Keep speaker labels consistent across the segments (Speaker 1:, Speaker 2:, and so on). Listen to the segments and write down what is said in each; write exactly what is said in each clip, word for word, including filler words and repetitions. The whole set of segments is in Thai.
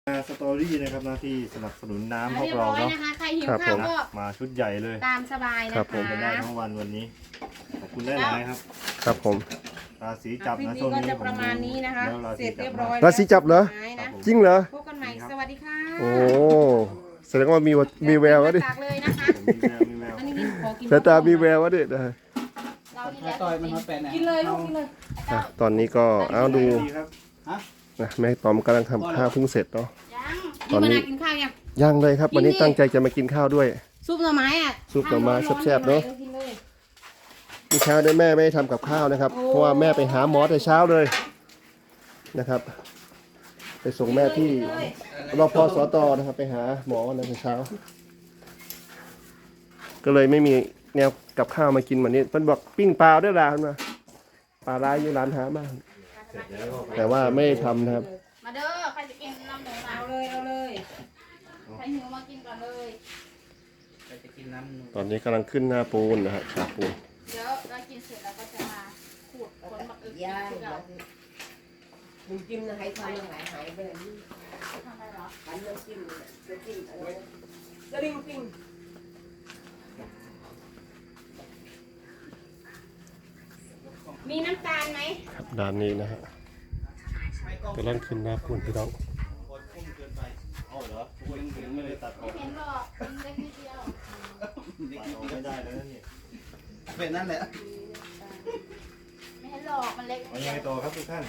Speaker 1: สตอรี่นะครับหน้าที่สนับสนุนน้ำพวกเราเนาะ
Speaker 2: นะคะใครหิวข้าวก็
Speaker 1: มาชุดใหญ่เลย
Speaker 2: ตามสบายนะคะ
Speaker 1: กันได้ทั้งวันวันนี้ขอบคุณได้หลายครับ
Speaker 3: ครับผม
Speaker 1: ราศีจับนะ
Speaker 2: ช่
Speaker 1: ช่
Speaker 2: ว
Speaker 1: ว
Speaker 2: ง
Speaker 1: ง
Speaker 2: นี้
Speaker 1: นี้
Speaker 2: จะประมาณนี้นะคะเสร็จเรียบร้อย
Speaker 3: ราศีจับเหรอจริงเหรอ
Speaker 2: พบกันใหม่สวัสดีค่ะ
Speaker 3: โอ้แสดงว่ามีมีแวววะดิ
Speaker 2: ตักเลยนะคะ
Speaker 1: มีแววมีแวว
Speaker 2: อันนี้กินขอกิน
Speaker 3: สายตามีแวววะดินะ
Speaker 2: เรานี่แหละ
Speaker 4: ต่อยมันมาแปะไหน
Speaker 2: กินเลยลูกกินเลย
Speaker 3: อ่ะตอนนี้ก็เอาดู
Speaker 1: ดีครับ
Speaker 3: นะแม่ตอมกำลังทำข้าวเพิ่งเสร็จเนาะ
Speaker 2: ยัง
Speaker 3: ตอนนี้
Speaker 2: นี่มานากินข้าวยัง
Speaker 3: ย่างเลยครับ วันนี้ตั้งใจจะมากินข้าวด้วย
Speaker 2: ซุปหน่อไม้อ่ะ
Speaker 3: ซุปหน่อไม้แซ่บๆเนอะ
Speaker 2: กินเลย
Speaker 3: เมื่อเช้าได้แม่ไม่ได้ทำกับข้าวนะครับ เพราะว่าแม่ไปหาหมอแต่เช้าเลยนะครับ ไปส่งแม่ที่รพสตนะครับ ไปหาหมอในแต่เช้า ก็เลยไม่มีแนวกับข้าวมากินวันนี้เพิ่นบอกปิ้งปลาด้วยล่ะเพิ่นว่าปลาร้ายอยู่ร้านหามากแต่ว่าไม่ได้ทำนะครับ
Speaker 2: มาเด้อใครจะกินน้ำหมูเอาเลยเอาเลยใครหิวมากินก่อนเลย
Speaker 4: จะกินน้ำ
Speaker 3: ตอนนี้กำลังขึ้นหน้าปูนนะฮะฉาบปูน
Speaker 2: เดี๋ยวเรากินเสร็จแล้วก็จะมาขูดขนบักอึก
Speaker 5: ย่า
Speaker 2: ที่เรา
Speaker 5: มึงจิ้มนะให้ทำยังไงหายไปเลยนี่
Speaker 2: ทำอะไรเหรอ
Speaker 5: กันน้ำจิ้มเนี่ยน้ำจิ้มอะไรนะกระดิ่งปิ้ง
Speaker 2: มีน้ำตาลไหม
Speaker 3: ครับด้านนี้นะฮะกำลังขึ้นหน้าปูนพี่น้อง
Speaker 1: อ๋อเหรอคุณถึงไม่ได้ตัดอ
Speaker 2: ไม่
Speaker 1: อก
Speaker 2: เห็นหรอกมันเล็กนิดเดียว
Speaker 1: ตัดออกไม่ได้แล้วนี่
Speaker 4: เป็นนั่นแหละ
Speaker 2: ไม่เห็นหรอกมันเล็ก
Speaker 1: เอายังไงต่อครับทุกท่าน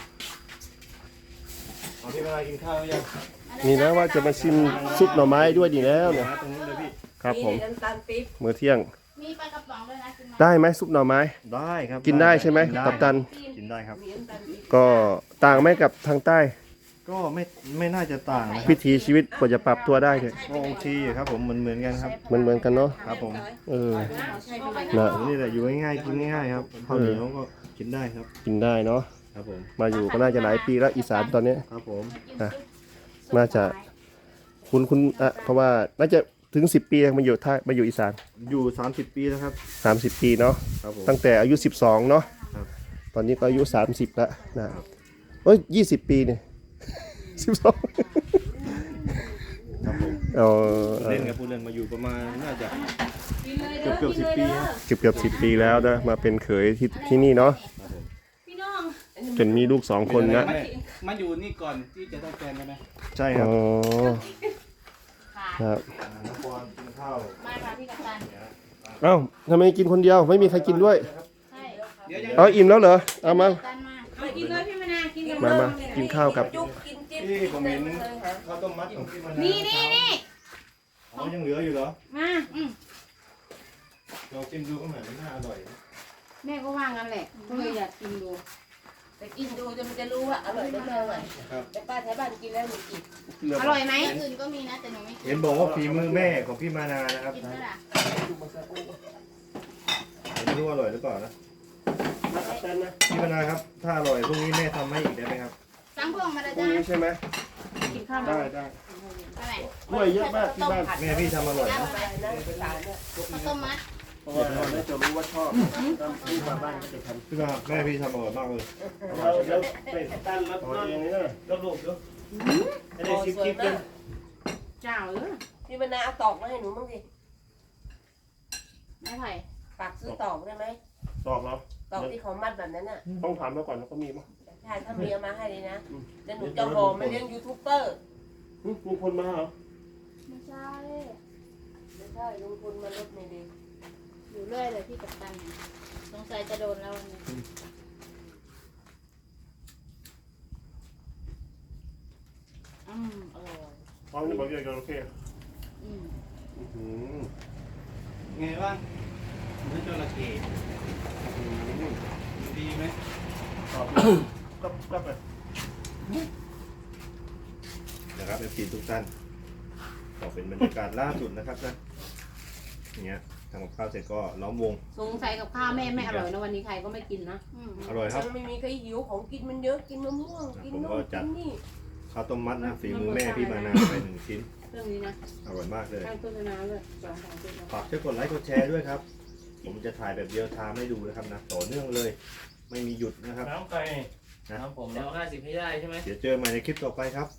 Speaker 1: เอาพี่เวลากินข้าวยัง
Speaker 3: นี่นะว่าจะมาชิมซุปหน่อไม้ด้วยดีแล้วเนี่ย
Speaker 1: ตรงนู้นเลยพี่
Speaker 3: ครับผม
Speaker 5: น้ำตาลปี๊บ
Speaker 3: มื้อเที่ยง
Speaker 2: มีปลากระป๋องด้วยนะกินไหม
Speaker 3: ได้ไหมซุปหน่อไม้
Speaker 1: ได้ครับ
Speaker 3: กินได้ใช่ไหม
Speaker 1: ด้
Speaker 3: กัปตัน
Speaker 1: กินได้ครับ
Speaker 5: มีน้ำตาลปี๊บ
Speaker 3: ก็ต่างไหมกับทางใต้
Speaker 1: ก็ไม่ไม่น่าจะต่างนะครับ
Speaker 3: วิถีชีวิตกว่าจะปรับตัวได้เนี่ย
Speaker 1: ก็โอเคอยู่ครับผมเหมือนเหมือนกันครับ
Speaker 3: มันเหมือนกันเนาะ
Speaker 1: ครับผม
Speaker 3: เออ
Speaker 5: ใช่ไหม
Speaker 3: นะ
Speaker 1: นี่แหละอยู่ง่ายๆกินง่ายๆครับข้าวเหนียวก็กินได้ครับ
Speaker 3: กินได้เนาะ
Speaker 1: ครับผม
Speaker 3: มาอยู่ก็น่าจะหลายปีแล้วอีสานตอนเนี้ย
Speaker 1: ครับผม
Speaker 3: นะน่าจะคุณคุณอ่ะเพราะว่าน่าจะถึงสิบปีมาอยู่ท่ามาอยู่อีสาน
Speaker 1: อยู่สามสิบปีแล้วครับ
Speaker 3: สามสิบปีเนาะ
Speaker 1: ครับผม
Speaker 3: ตั้งแต่อายุสิบสองเนาะ
Speaker 1: ครับ
Speaker 3: ตอนนี้ก็อายุสามสิบแล้วนะเอ้ยยี่สิบปีเนี่ยสิบสอง
Speaker 1: ครับผม
Speaker 3: เออ
Speaker 1: เล่นกับผู้เล่นมาอยู่ประมาณน่าจะเกือบเกือบสิบปีครับ
Speaker 3: เกือบเกือบสิบปีแล้วนะมาเป็นเขยที่ที่นี่เนาะ
Speaker 1: ครับผม
Speaker 2: พี่น้อง
Speaker 3: จนมีลูกสองคนนะ
Speaker 4: มาอยู่นี่ก่อนที่จะได้แฟนใช่ไหม
Speaker 1: ใช่ครั
Speaker 3: อ๋
Speaker 1: บ
Speaker 3: อ
Speaker 2: ค่ะ
Speaker 3: ครับ
Speaker 1: อ่าน้องปอนกินข้าว
Speaker 2: มาค่ะพี่กัปตัน
Speaker 3: เอ้าทำไมกินคนเดียวไม่มีใครกินด้วย
Speaker 2: ใช่
Speaker 4: เดี๋ยว
Speaker 3: เอาอิ่มแล้วเหรอเอามา
Speaker 2: กัปตันมามากินเลยพี่มานาวกินกัน
Speaker 3: มามากินข้าวกับ
Speaker 5: จุกกินจิ้ม
Speaker 1: พี่ผมเห็นข้าวต้มมัดของพี่มานาว
Speaker 2: นี่นี่นี่
Speaker 1: อ๋อยังเหลืออยู่เหรอ
Speaker 2: มาอืม
Speaker 1: ลองชิมดูก็เหมือนมันน่าอร่อยนะ
Speaker 2: แม่ก็ว่างั้นแหละก็เลยอยากกินดู
Speaker 5: แต่กินดูจะมันจะรู้ว่าอร่อยไม่อร่อยแต่ป้าแถวบ้านกินแล้วหนูกิน
Speaker 2: อร่อยไหมอื่นก็มีนะแต่หนูไม่กิน
Speaker 1: เห็นบอกว่าฝีมือแม่ของพี่มานานะครับ
Speaker 2: กินไหมล่ะ
Speaker 1: ไม่รู้อร่อยหรือเปล่านะพี่มานาครับถ้าอร่อยพรุ่งนี้แม่ทำให้อีกได้ไหมครับ
Speaker 2: สั่งพวงมาเลย
Speaker 3: พรุ่ง
Speaker 2: จ้า
Speaker 3: นี้ใช่ไหม
Speaker 2: กินข้าว
Speaker 3: ได้ได้
Speaker 2: อะไร
Speaker 3: กล้วยเยอะมากที่บ้าน
Speaker 1: แม่พี่ทำอร่อยนะ
Speaker 5: อะไรนะภาษาเนี่ย
Speaker 2: ข้าวต้มมัด
Speaker 3: เพราะว่าเราไม่จะรู้ว่าชอบที่มาบ้านก็จะทำ
Speaker 1: พี่มาแม่พี่ทำอร่อยมากเลย
Speaker 3: เราแล้วไปตั้งรับนอนอย่างนี้นะ
Speaker 1: รอบลูกเนาะให้ได้ชิปชิปเลย
Speaker 2: เจ้าเออ
Speaker 5: พี่มนาเอาตอกมาให้หนูบ้างสิ
Speaker 2: ไม่ไผ่
Speaker 5: ฝากซื้อตอกได้ไหม
Speaker 3: ตอกแล้ว
Speaker 5: ตอกที่เขามัดแบบนั้นน่ะ
Speaker 3: ต้องถามมาก่อนแล้วก็มีมั้ง
Speaker 5: ใช่ถ้ามีเอามาให้เลยนะเดี๋ยวหนูจะห่อมาเลี้ยงยูทูบเบอร์
Speaker 3: ลุงพลมาเหรอ
Speaker 2: ไม่ใช่
Speaker 5: ไม่ใช่ลุงพลมารถไม่ดี
Speaker 2: อยู่เรื่อยเลยพี่กัปตันสงสัยจะโดนแล้ววันนี้อืมอร่อย
Speaker 3: เอาเนี่ยบอกอย่างโอเค
Speaker 2: อืม
Speaker 3: อืม
Speaker 4: ไงบ้างเนื้อจระเข้ดีไหม
Speaker 3: ตอบก็ก็ไป
Speaker 1: นะครับเอฟซีทุกท่านก็เป็นบรรยากาศล่าสุดนะครับนะอย่างเงี้ยทำกับข้าวเสร็จก็ล้อมวง
Speaker 2: สงสัยกับข้าวแม่ไม่อร่อยนะวันนี้ใครก็ไม่กินนะ
Speaker 1: อร่อยครับ
Speaker 5: มันไม่มีใครหิวของกินมันเยอะกินมะม่วงกินนู่นกินนี่
Speaker 1: ข้าวต้มมัดนะฝีมือแม่พี่มานาไปหนึ่งชิ้น
Speaker 2: เรื่องนี้นะ
Speaker 1: อร่อยมากเลย
Speaker 2: ข้างต้นน้ำเลยสองสองต้น
Speaker 1: ฝากช่วยกดไลค์กดแชร์ด้วยครับ ผมจะถ่ายแบบเดียวทามให้ดูนะครับนะต่อเนื่องเลย ไม่มีหยุดนะครับ
Speaker 6: น้ำไก่
Speaker 1: นะ
Speaker 6: น้ำผมแล้วห้าสิบให้ได้ใช่ไหม
Speaker 1: เดี๋ยวเจอใหม่ในคลิปต่อไปครับ ติ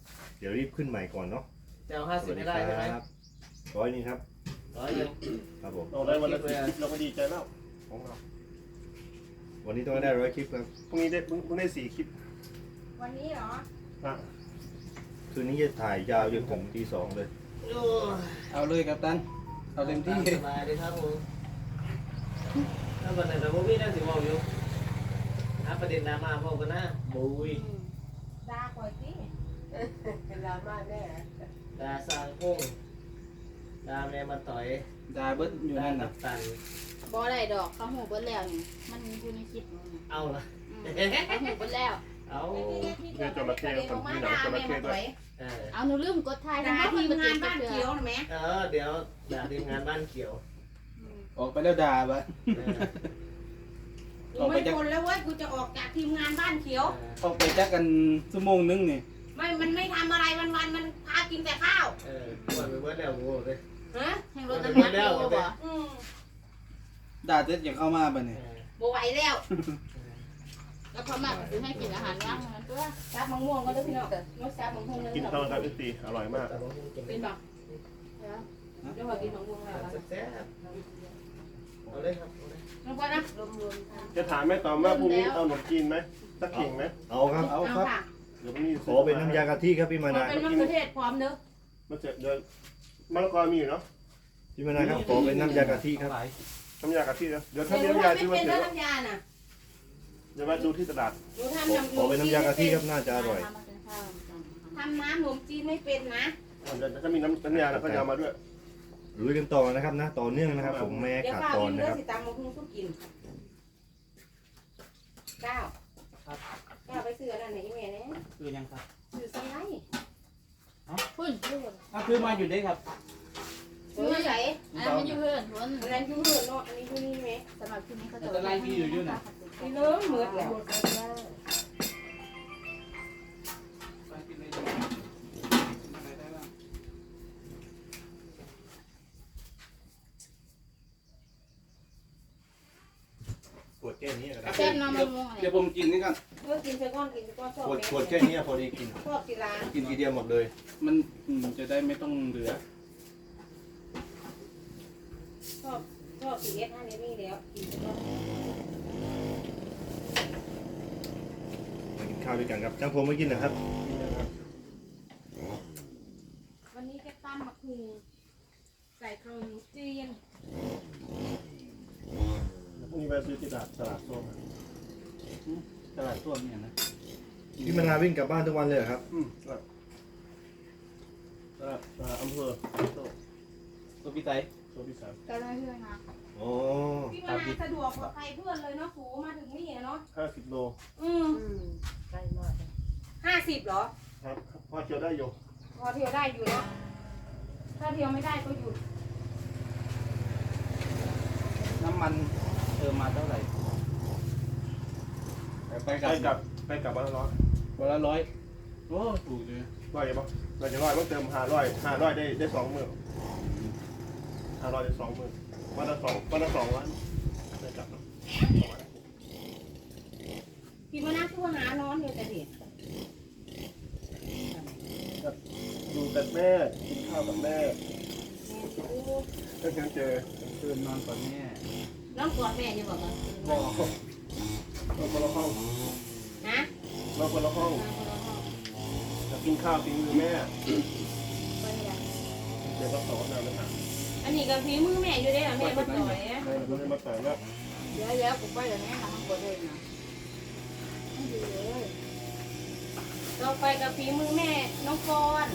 Speaker 1: ดี๋ยวรีบขึ้นใหม่ก่อนเนาะ
Speaker 4: จะเอาห้าสิบไม่ได้ใช่ไหม
Speaker 1: ครับร้อยหนึงครับ
Speaker 4: ร้อยยัง
Speaker 1: ครับผม
Speaker 3: เราได้วันละสิบคลิปเราก็ดีใจแล้วของเรา
Speaker 1: วันนี้ต้องได้ร้อยคลิปครับ
Speaker 3: พรุ่งนี้ได้เพิ่งได้สี่คลิป
Speaker 2: วันนี้เหรอ
Speaker 3: อ่ะ
Speaker 1: คืนนี้จะถ่ายยาวจนถึงตีสองเลย
Speaker 4: เอาเลยครับตันเอาเต็มที่สบายเลยครับผมถ้าวันไหนเราพวกพี่นั่งสิบอกอยู่หาประเด็นดราม่าบอกกันนะบุย
Speaker 2: ด่าก่อยสิ
Speaker 5: เป็นดราม่าแน่
Speaker 4: ดาสร้างพุ่งดาแม่มาต่อยดาเบิ้ลอยู่นั่นนะตัน
Speaker 2: บ่ได้ดอกเขาหูเบิดแล้วนี่มันอยู่ในคลิปนี่
Speaker 4: เอาละ
Speaker 2: อืมเขาหูเบิดแล้ว
Speaker 4: เอา
Speaker 3: เดี๋ยวจระเข้คนที่หนังจระเข้ด้วย
Speaker 4: เออ
Speaker 2: เอาหนูลืมกดถ่าย
Speaker 6: ด่า
Speaker 2: ทั้ง
Speaker 6: ที
Speaker 2: ที่
Speaker 6: ม
Speaker 2: มัน
Speaker 6: งา
Speaker 2: เจ็
Speaker 6: น
Speaker 2: บ
Speaker 6: บ้าน
Speaker 2: เกลื
Speaker 6: เขียว
Speaker 2: อ
Speaker 6: นะแม่
Speaker 4: เออเดี๋ยวด่าทีมงานบ้านเขียว
Speaker 7: ออกไปแล้วด่าปะ
Speaker 4: เออ
Speaker 6: กูไม่ทนแล้วเว้ยกูจะออกจากทีมงานบ้านเขียว
Speaker 7: ออกไปจักกันชั่วโมงนึงนี่
Speaker 6: ไม่มันไม่ทำอะไรวันวันๆมันพากินแต่ข้าว
Speaker 4: เออปวดไปเบิดแล้วกูเลย
Speaker 6: ฮะ
Speaker 2: แห่งรถน้ำมันโลบ่
Speaker 6: อืม
Speaker 7: ด่าเจ็ดอย่างเข้ามาปะ
Speaker 4: เอ
Speaker 7: เนี่ย
Speaker 4: อ
Speaker 6: บ่ไหวแล้ว
Speaker 2: แล้วเขามาซื้อให้กินอาหารว่างนั้นตัว
Speaker 6: ซับมะม่วงก็ได้พี่น้องงดซับมะม่วงเลย
Speaker 3: กินข้าวครับพี่ตีอร่อยมาก
Speaker 4: แต่ว่ามึงกิน
Speaker 6: เป็นแบบเดี๋ยวพอกินมะม่วงแล้ว
Speaker 4: แซ่บเอาเลยครับเอาเลย
Speaker 6: น้องก้อนนะ
Speaker 5: รวมๆกัน
Speaker 3: จะถามแม่ตอมว่าพรุ่งนี้เอาขนมจีนไหมสักขิงไหม
Speaker 1: เอาครับ
Speaker 3: เอา
Speaker 6: เอา
Speaker 3: ครับ
Speaker 6: ค่ะ
Speaker 3: เดี๋ยวพรุ่งนี้
Speaker 1: ขอเป็นน้ำยากะทิครับพี่มา
Speaker 6: มัน
Speaker 1: นา
Speaker 6: เป็นมะเขือเทศพร้อมเนอะ
Speaker 3: มาเจอเดี๋ยวมะละกอมีอยู่เนาะ
Speaker 1: พี่มานาครับขอเป็นน้ำยากะทิครับ
Speaker 4: เอาไหล
Speaker 3: น้ำยากะทินะเดี๋ยว
Speaker 6: แต่
Speaker 3: ถ้า
Speaker 6: ห
Speaker 3: มี
Speaker 6: นู
Speaker 3: น้ำยา
Speaker 6: ทำไม่
Speaker 3: ซื้อมา
Speaker 6: เป็น
Speaker 3: เดี๋
Speaker 6: แล้
Speaker 3: ยว ว
Speaker 6: น้ำยาน่ะ
Speaker 3: เดี๋ยวมาดูที่ตลาด
Speaker 6: หนูทำ
Speaker 1: ขอ
Speaker 6: น้ำ
Speaker 1: ขอเป็นน้ำยากะทิครับน่าจะอร่อย
Speaker 6: ทำน้ำขนมจีนไม่เป็นนะ
Speaker 3: เดี๋ยวถ้ามีน้ำน้ำยาแล้วก็จะเอามาด้วย
Speaker 1: ลุยกันต่อนะครับนะต่อเนื่องนะครับ ผมไม่ให้
Speaker 6: เดี๋ยว
Speaker 1: ขาด
Speaker 6: ข้าว
Speaker 1: ตอน
Speaker 6: กิน
Speaker 1: นะ
Speaker 6: เด้อ
Speaker 1: ครับ
Speaker 6: สิตำมะม่วงสู้กินก้าวก้าวไปซื้ออะไรไหนอีเมลเนี่ย
Speaker 7: คือยังครับ
Speaker 6: ซื้อสไลด์
Speaker 2: พุ่นพุ่น
Speaker 7: อ้าวคือมาอยู่ได้ครับ
Speaker 6: ซื้อไหน
Speaker 2: อันนั้นมันอยู่เพื่อนพุ่น
Speaker 6: อันนั้นคือเหือนเนาะอันนี้คือนี่ไหม
Speaker 2: สำหรับที่นี้เขาจะ
Speaker 6: นี่เลิศเหมือนแล้ว
Speaker 7: ไปกินเลยอะไรได้บ้าง
Speaker 1: ขวดแค่นี้ก็ได้
Speaker 2: แซ่บน้ำมะม่วงอะไร
Speaker 7: เดี๋ยวผมกินนี่กัน
Speaker 6: เมื่อกินไปก้อนกินไปก้อนชอบ
Speaker 1: ขวด
Speaker 6: แม่
Speaker 1: ขวดแค่นี้พอดีกิน
Speaker 6: ชอบกีฬา
Speaker 1: กินทีเดียวหมดเลย
Speaker 7: มันอืมจะได้ไม่ต้องเหลือ
Speaker 6: ชอบชอบสีเอสห้านี้นี่แล้วกินไปก้อน
Speaker 1: มากินข้าวด้วยกันครับจ้างผมไม่กินนะครับ
Speaker 6: วันนี้จะตั้มมะคูใส่ขนมจีน
Speaker 3: พรุ่งนี้ไปซื้อที่ตลาดตลาดส้ม
Speaker 7: ตลาดต้วมเนี่ยนะ
Speaker 1: พี่มานาวิ่งกลับบ้านทุกวันเลยเหรอครับ
Speaker 3: อืมตลาดตลาดตลาดอำเภอโซ่
Speaker 7: ตัวพี่ไต
Speaker 3: โซ่พิสาร
Speaker 2: ก็ได้เพื่อนนะ
Speaker 1: อ๋อ
Speaker 6: พี่มานาสะดวกกว่าใครเพื่อนเลยเนาะสูมาถึงนี่เนาะ
Speaker 3: ห้าสิบโล
Speaker 6: อืม
Speaker 5: อืมใกล้มาก
Speaker 6: ห้าสิบเหรอ
Speaker 3: ครับพอเคียวได้อยู่
Speaker 6: พอเที่ยวได้อยู่เนาะถ้าเที่ยวไม่ได้ก็หยุด
Speaker 7: น้ำมันเติมมาเท่าไหร่ไป
Speaker 3: ไป
Speaker 7: กลับ
Speaker 3: กลับไปกลับวันละร้อย
Speaker 7: วันละร้อยโอ้ถูกเลย
Speaker 3: ร้อยยังปะเราจะร้อยต้องเติมห้าร้อยห้าร้อยได้ได้สองหมื่นห้าร้อยได้สองหมื่นวันละสองวันละสองวันได้กลับเนาะ
Speaker 6: พี่มานาทั่วหานอนอยู่แต่เด็ก
Speaker 3: ดูแต่แม่กินข้าวกับแม่ก็ยังเจอ
Speaker 7: คืนนอนก่อนแม่
Speaker 6: น้องกอดแม่อยู่บอกว่า
Speaker 3: บอกเราคนละห้อง
Speaker 6: นะ
Speaker 3: เราคนละห้องจะกินข้าวกินมือแม่เดี๋ยวก็สอนเราเลยค่ะ
Speaker 6: อันนี้กับฝีมือแม่อยู่ได้หรอแม่มาต่อย
Speaker 3: ใช่เราไม่มาแต่งแล้ว
Speaker 2: เดี๋ยวเดี๋ยวกูไปเดี๋ยวนี้ทำกดเลยนะไม่ดีเลย
Speaker 6: เราไปกับฝีมือแม่น้องกร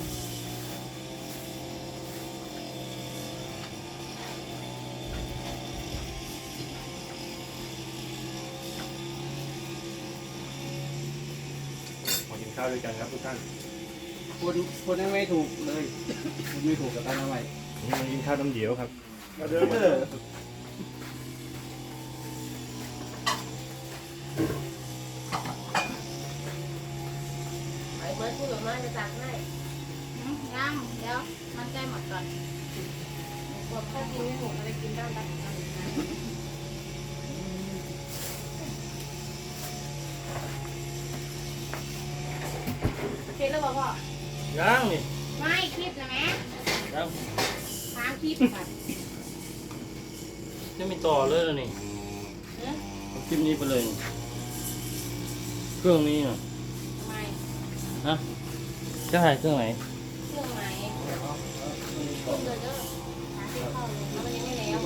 Speaker 1: มากินข้าวด้วยกันครับทุกท่าน
Speaker 7: คนคนยังไม่ถูกเลยคนไม่ถูกกับตันเอาไว้
Speaker 1: นี่มากินข้าวน้ำเดียวครับ
Speaker 3: มาเดินมา
Speaker 7: เอ
Speaker 3: เดิ
Speaker 7: อน
Speaker 5: ไอ้เมื่อพูดกับมาจะตักให้
Speaker 2: ยังเดี๋ยวมันใกล้หมดก่อน
Speaker 6: บอกถ้ากินไม่หมดอะไรกินได้บ้างโอเคแล้วบอกพ่อ
Speaker 1: ย
Speaker 4: ยังนี่
Speaker 2: ไม่คลิปนะแม่
Speaker 4: ยัง
Speaker 2: ตามคลิปค่ะ
Speaker 4: จะมีต่อเลยแล้วนี่เอาคลิปนี้ไปเลยนี่เครื่องนี้น่ะ
Speaker 2: ทำไม
Speaker 4: ฮะจะถ่ายเครื่องไหน
Speaker 2: เครื่องไหนเครื่องเลยเด้อหาที่เข้าเลยแล้วมันยังไม่แล้ว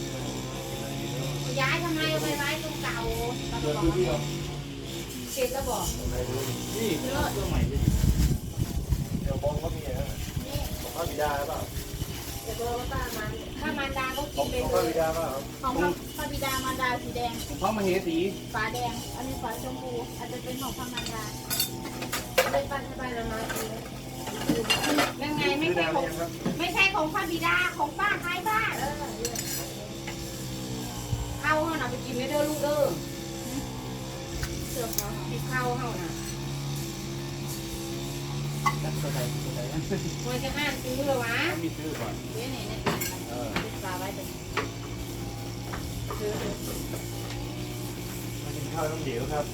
Speaker 2: ย้ายทำไมเอาไปไว้ตรงเก่าตลอดเก็บแล้วบอก
Speaker 4: นี่เครื่องใหม่ดิ
Speaker 1: เดี๋ยวบองก็มีนะของพระบิดาหรือเปล่า
Speaker 2: เดี๋ยวบอกว่าป้ามันถ้ามารดาก็
Speaker 1: ข
Speaker 2: กิ
Speaker 1: อน ง
Speaker 2: ไป
Speaker 1: ของพ
Speaker 2: เล
Speaker 1: ระบิ
Speaker 2: ย
Speaker 1: ดาเปล่า
Speaker 2: ของพระบิดามารดาสีแดง
Speaker 7: เพราะมาเหสี
Speaker 2: ฝาแดง อันนี้ฝาชมพูอาจจะเป็นของพระมารดาเลยปั้นให้ไปแล้วมาคือยังไงไม่ใช่ของไม่ใช่ของพระบิดาของป้าใครบ้านเออเข้าเขาน่ะไปกินไม่เด้อลูกเด้อเสือเขาติดเข้าเขาน่ะ
Speaker 7: ตัวไหนตัวไหน
Speaker 2: มันจะอ่านซื้อเลยวะ
Speaker 7: มีซื้อก่อน
Speaker 2: เดี๋ยวไหนเนี่ยติดฝาไว้ตรงนี้ซื้อเลย
Speaker 1: มากินข้าวน้ำเดียวครับ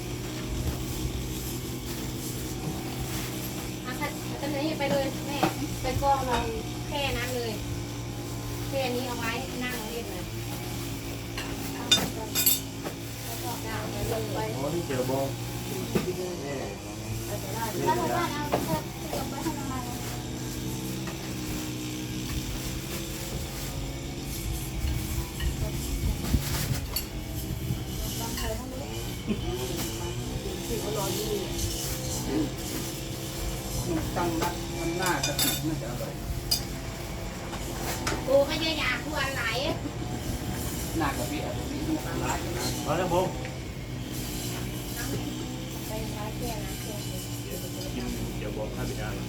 Speaker 2: อ่ะค่ะตอนนี้ไปเลยแม่ไปกองลงแค่นั้นเลยแค่นี้เอาไว้นั่งเล่นเลยเอาไปก่อนแล้วก็ดาวไปลงไป
Speaker 1: อ๋อนี่เจียวบองนี่
Speaker 2: ถ้าเราบ้านเอาเถอะเก็บไว้ให้ทำไมลองใช้ทั้งนี้สิบร้อยยี่
Speaker 7: มันตั้งนัดมันหน้ากระติกน่าจะอร่อย
Speaker 2: กูก็จะอยากกูอะไร
Speaker 7: หน้ากระปิอ่ะมีลูกร้ายนะ
Speaker 1: มาแล้วบอง
Speaker 2: ไปร้านแค่นะแค่
Speaker 1: กินเจียวบองพระบิดา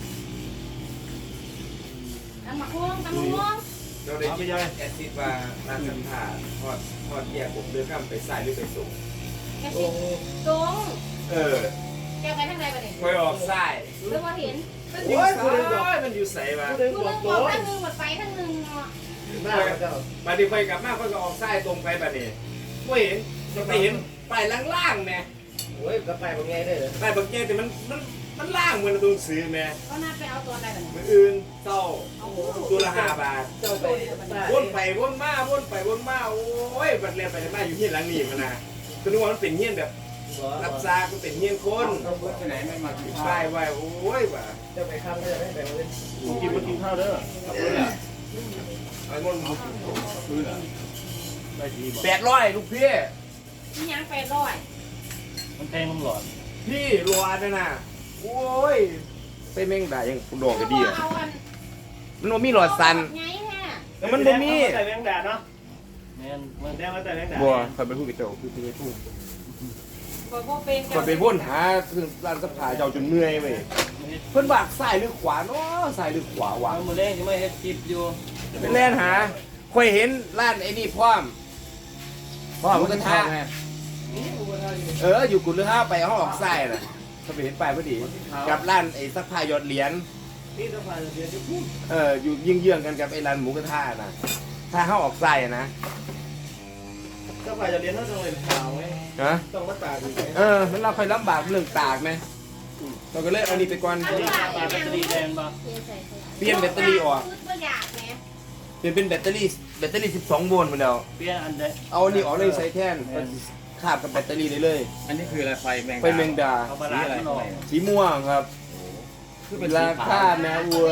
Speaker 2: ตำมะม่วงตำมะม่วง
Speaker 8: เราได้คิดแอดซิดว่าร้านสัมผัสทอดทอดแยกผมเลือกข้ามไปใส่หรือไปส่ง
Speaker 2: แค่สิตรง
Speaker 8: เออ
Speaker 2: แกไปทางไหนบ้างเนี่ย
Speaker 8: คอยออกใส่
Speaker 2: หรือว่าเห็น
Speaker 8: มันอยู่ใส่มันอยู่ใส่มา
Speaker 2: กูนึกบอกทางนึงหมดไปทางนึงเนาะ
Speaker 1: หน้าเจ้า
Speaker 8: บัดนี้คอยกลับมาคอยก็ออกใส่ตรงไปบัดนี้ไม่เห็นจะไปเห็นไปล่างๆแม่
Speaker 4: โอ้ยก็ไปบางไงได้เหรอ
Speaker 8: ไปบางแกแต่มันมันมันล่างเหมือนตัวซื้อแม่
Speaker 2: ก็น่าไปเอาตัวอะไรแบบนี้
Speaker 8: มืออื่นเศร้า
Speaker 2: เอา
Speaker 8: ตัวละห้าบาท
Speaker 4: เจ้าไป
Speaker 8: วนไปวนมาวนไปวนมาโอ้ยบัดเรียนไปมาอยู่ที่หลังนี้มันนะก็นึกว่ามันเป็นเงี้ยนแบบรับซาก็เป็นเงี้ยนคน
Speaker 7: ต้องรถไปไหนไม่มากินข้า
Speaker 8: ใช่
Speaker 7: ว
Speaker 8: ไว้โอ้ยว่ะ
Speaker 4: เจ้าไปข้ามก็จะไม่ไปเลย
Speaker 1: กินมากินข้าวเด้อ
Speaker 8: ไอ้มน
Speaker 7: ซื้อเหรอ
Speaker 1: ได้ดีบอก
Speaker 8: แปดร้อยลูกพี่
Speaker 2: ที่ยังไปร้อย
Speaker 4: มันแพงน้ำหลอด
Speaker 8: พี่รัวนะน่ะโอ้ยไปแม่งด่ายังดอกก็ดีอ่ะ
Speaker 2: เอาอัน
Speaker 8: มันบ่มีหลอดสัน
Speaker 2: ไงแท้
Speaker 8: แต่มันบ่มี
Speaker 1: แต่แมงดาเนาะ
Speaker 4: แม่นมัน
Speaker 1: แดงมาแต่แมงดา
Speaker 8: บัวคอยไปพูดกับเจ้าคือไปพูด
Speaker 2: บอกว่าเป็น
Speaker 8: คอยไปวนหาคือร้านสภาเจ้าจนเหนื่อยเว้ยเพิ่นว่าซ้ายหรือขวาเนาะซ้ายหรือขวาวะ
Speaker 4: เอามือแรงที่ไม่เฮ็ดคลิปอยู่
Speaker 8: ไปแล่นหาคอยเห็นร้านไอ้นี่พร้อมพร้อมมันก็ท่าเอออยู่กุฎเรือห้าไปห้องออกซ้ายน่ะเขาไปเห็นป้ายพอดีกับร้านไอ้ซักผ้าหยอดเหรียญ
Speaker 1: นี่สะพานเสียจะพูด
Speaker 8: เอออยู่ยิงเยื่องๆกันกับไอ้ร้านหมูกระทะน่ะถ้าเข้าออกไส้อะนะ
Speaker 1: สะพานจะเรียนเท่าจังเลยข่าวไหม
Speaker 8: ฮะ
Speaker 1: ต้องมาตากอีกไหม
Speaker 8: เออมันเราค่อยลำบากเรื่องตากไหมเราก็เลยเอานี่ไปก่อน
Speaker 2: เอาว่า
Speaker 4: ปลาแบตเตอรี่แดงป่ะ
Speaker 8: เปลี่ยนแบตเตอรี่ออก
Speaker 2: ก็อยากแหม
Speaker 8: เปลี่ยนเป็นแบตเตอรี่แบตเตอรี่สิบสองโวลต์หมดแล้ว
Speaker 4: เปลี่ยนอันเดะ
Speaker 8: เอาอันนี้ออกเลยใช้แทนมันขาดกับแบตเตอรี่ได้เลย
Speaker 7: อันนี้คืออะไรไฟแมง
Speaker 8: ไฟแมงดา
Speaker 4: เอาบาลานซ์มันออก
Speaker 8: สีม่วงครับราคาแม่อวย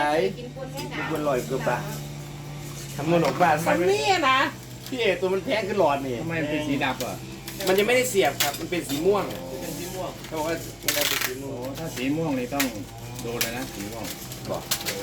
Speaker 2: กินคนแม่หนาว
Speaker 8: มันลอยเกือบบาททำเงินออกบาทมันเนี่ยนะพี่เอตัวมันแพงขึ้นหลอดนี่
Speaker 7: ทำไมมันเป็นสีดำอ่ะ
Speaker 8: มันยังไม่ได้เสียบครับมันเป็นสีม่วง
Speaker 4: เป็นสีม่วง
Speaker 8: เขาบอกว่ามันเป็นสีม่
Speaker 7: โอ้
Speaker 8: วง
Speaker 7: ถ้าสีม่วงนี่ต้องโดนเลยนะสีม่วง
Speaker 8: บอก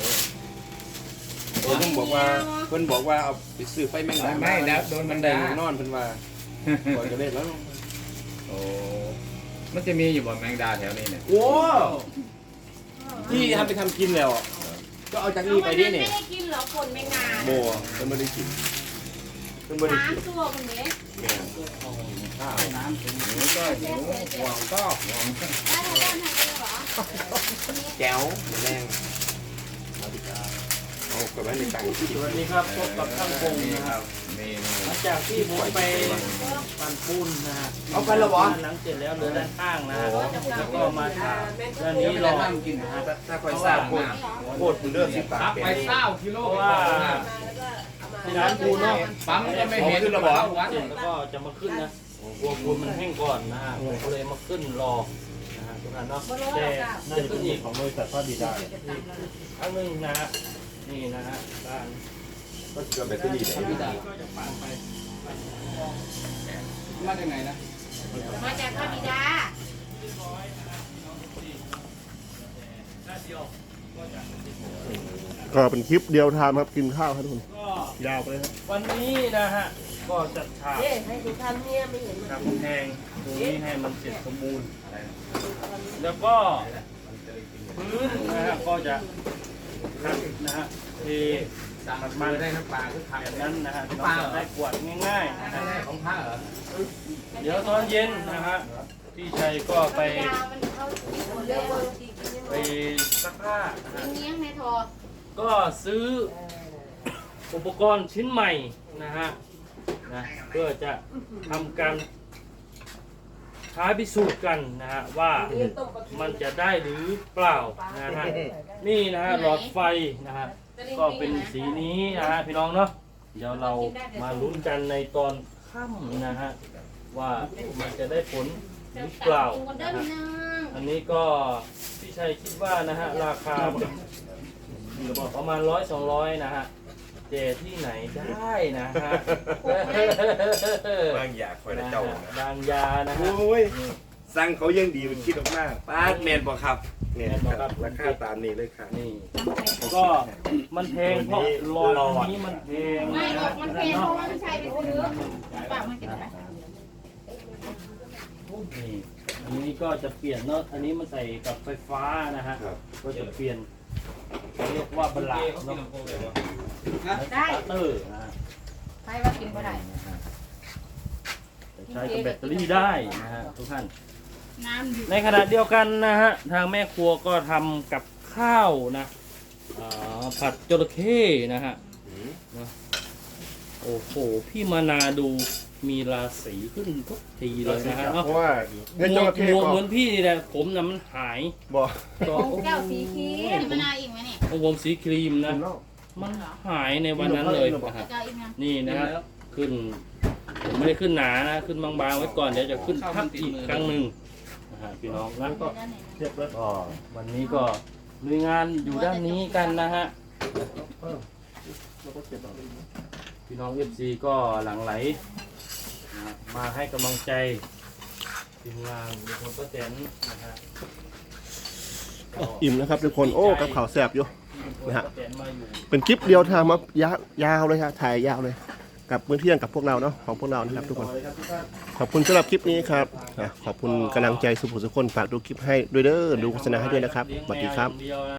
Speaker 8: เพิ่นบอกว่าเพิ่นบอกว่าเอาไปซื้อไฟแมงดา
Speaker 7: ไม่แล้วโดนมัน
Speaker 8: ได้
Speaker 7: ด่าน
Speaker 8: อนเพิ่นว่าก่อนจะเล่นแล้ว
Speaker 7: โอ้มันจะมีอยู่บ่แมงดาแถวนี้เนี่ย
Speaker 8: โอ้ที่ทำไปทำกินแล้วก็เอาจากนี้ไปดิเนี่ย
Speaker 2: ไม่ได้กินหรอคนแม่งาน
Speaker 8: โบเพิ่นไม่ได้กินเพิ่นไม่ได้
Speaker 2: สาม
Speaker 8: กิน
Speaker 2: ตัวคนนี้
Speaker 8: แม่ข้าว
Speaker 7: น้ำเป็นหมูก็หิวห่วงก็ห่วง
Speaker 2: ได้ทางด้านไหนเหรอ
Speaker 8: แก้วแรงเอากกับว่าในต่างที่
Speaker 7: สวัสดีครับพบกับช่างพงนะครับหลังจากที่ผมไปปั่นปูนนะฮะ
Speaker 8: เอาไปแล้วเหรอ
Speaker 7: หลังเสร็จแล้วเหลือด้านข้างนะฮะแล้วก็มาถามด้านนี้รอกินนะฮะ
Speaker 8: ถ้าคอยทราบโคตรโคตรมึงเลือกสิบบาท
Speaker 7: ครับไปเศร้ากิโลเพราะว่าที่ร้านปูนเนาะปั๊มก็ไม่เห็นระบบวัดแล้วก็จะมาขึ้นนะกลัวปูนมันแห้งก่อนนะฮะผมก็เลยมาขึ้นรอนะฮะทุกท่านเนาะแต่น่าจะขึ้นอีก
Speaker 1: ของบริษัทพระบิดา
Speaker 7: ครั้งหนึ่งนะฮะนี่นะฮะด้าน
Speaker 8: ก็เกือบแบตเตอรี่เลย
Speaker 7: ก็จะปั่นไปมาจากไหนนะ
Speaker 2: มาจากพระบิดา
Speaker 3: ก็เป็นคลิปเดียวทามครับกินข้าวครับทุกคน
Speaker 7: ก็
Speaker 3: ยาวไปเลยครับ
Speaker 7: วันนี้นะฮะก็จัดฉาก
Speaker 5: เอ๊ะให้ดูทำเนี่ยไม่เห็น
Speaker 7: กำแพงตรงนี้ให้มันเสร็จสมบูรณ์แล้วก็พื้นนะฮะก็จะขัดนะฮะเทขัดมันได้น้ำปลาคือขัดแบบนั้นนะฮะน้ำปลาได้กวาดง่ายๆนะฮะของผ้าเหรอเดี๋ยวตอนเย็นนะฮะพี่ชัยก็ไป
Speaker 2: ยาวมันเข้าที่หัวเลยอะ
Speaker 7: ไปซักผ้านะฮะ
Speaker 2: เงี้ยงในทอ
Speaker 7: ก็ซื้ออุปกรณ์ชิ้นใหม่นะฮะนะเพื่อจะทำการท้าพิสูจน์กันนะฮะว่ามันจะได้หรือเปล่านะฮะนี่นะฮะหลอดไฟนะฮะก็เป็นสีนี้นะฮะพี่น้องเนาะเดี๋ยวเรามาลุ้นกันในตอนค่ำนะฮะว่ามันจะได้ผลหรือเปล่านะฮะอันนี้ก็พี่ชัยคิดว่านะฮะราคาประมาณร้อยสองร้อยนะฮะเจที่ไหนได้นะฮะ
Speaker 8: บางอย่างคอยได้เจ้า
Speaker 7: บางยานะฮะ
Speaker 8: โอ้ยสั่งเขายังดีมันคิดออกมากป้าแมนบอกครับเนี่ยครับราคาตามนี้เลยค่ะ
Speaker 7: นี่ก็มันแพงเพราะหลอดอันนี้มันแพง
Speaker 2: ไม่หรอกมันแพงเพราะว่าไม่ใช่ไปซื้อปากมันกินไป
Speaker 7: นี่อันนี้ก็จะเปลี่ยนเนาะอันนี้มันใส่กับไฟฟ้านะฮะก็จะเปลี่ยนเรียกว่าบลาเนาะ
Speaker 2: ได้
Speaker 7: เตอร์นะฮะ
Speaker 2: ใครว่ากินก็ได้
Speaker 7: ใช้กับแบตเตอรี่ได้นะฮะทุกท่าน
Speaker 2: น้ำอยู่
Speaker 7: ในขณะเดียวกันนะฮะทางแม่ครัวก็ทำกับข้าวนะอ่าผัดจระเข้นะฮะนะโอ้โหพี่มานาดูมีราศีขึ้นทุกทีเลยนะฮะ
Speaker 3: เพ
Speaker 7: เนาะ
Speaker 3: ราะว่า
Speaker 7: ห
Speaker 3: เงิน
Speaker 7: ม
Speaker 3: จ
Speaker 7: ว
Speaker 3: ระ
Speaker 7: ก
Speaker 3: เข้
Speaker 7: หมวก
Speaker 3: ก็
Speaker 7: เหมือนพี่นี่แหละผมน่ะมันหาย
Speaker 3: บอก
Speaker 7: ก็
Speaker 2: ของแก้วสีเขียวมะนาวอีกไหมเนี่ย
Speaker 7: ของผมสีครีมนะมันหายในวันนั้นเลยนะฮะ
Speaker 2: แก้วอีกไหม
Speaker 7: นี่นะฮะขึ้นผมไม่ได้ขึ้นหนานะขึ้นบางๆไว้ก่อนเดี๋ยวจะขึ้นทับอีกครั้งหนึ่งนะฮะพี่น้องนะ
Speaker 3: เทียบเลย
Speaker 7: ก็วันนี้ก็ลุยงานอยู่ด้านนี้กันนะฮะ
Speaker 3: เราก็เก็บเอาเลยนะ
Speaker 7: พี่น้องเอฟซีก็หลั่งไหลนะมาให้กำลังใจทีมงานทุกคนก็แตนนะฮะ
Speaker 3: อิ่มนะครับทุกคนโอ้กับข่าวแสบอยู่ นะฮะ
Speaker 7: ป้าแตนมาอยู่
Speaker 3: เป็นคลิปเดียวทางมายายาวเลยครับถ่ายยาวเลย กับมื้อเที่ยงกับพวกเราเนาะของพวกเรานะครับทุกคน ขอบคุณสำหรับคลิปนี้ครับอ่ะขอบคุณกำลังใจสุภุสุคนฝากดูคลิปให้ด้วยเด้อดูโฆษณาให้ด้วยนะครับสวัสดีครับ
Speaker 7: เลี้ยงแมวอย่างเดียวนะ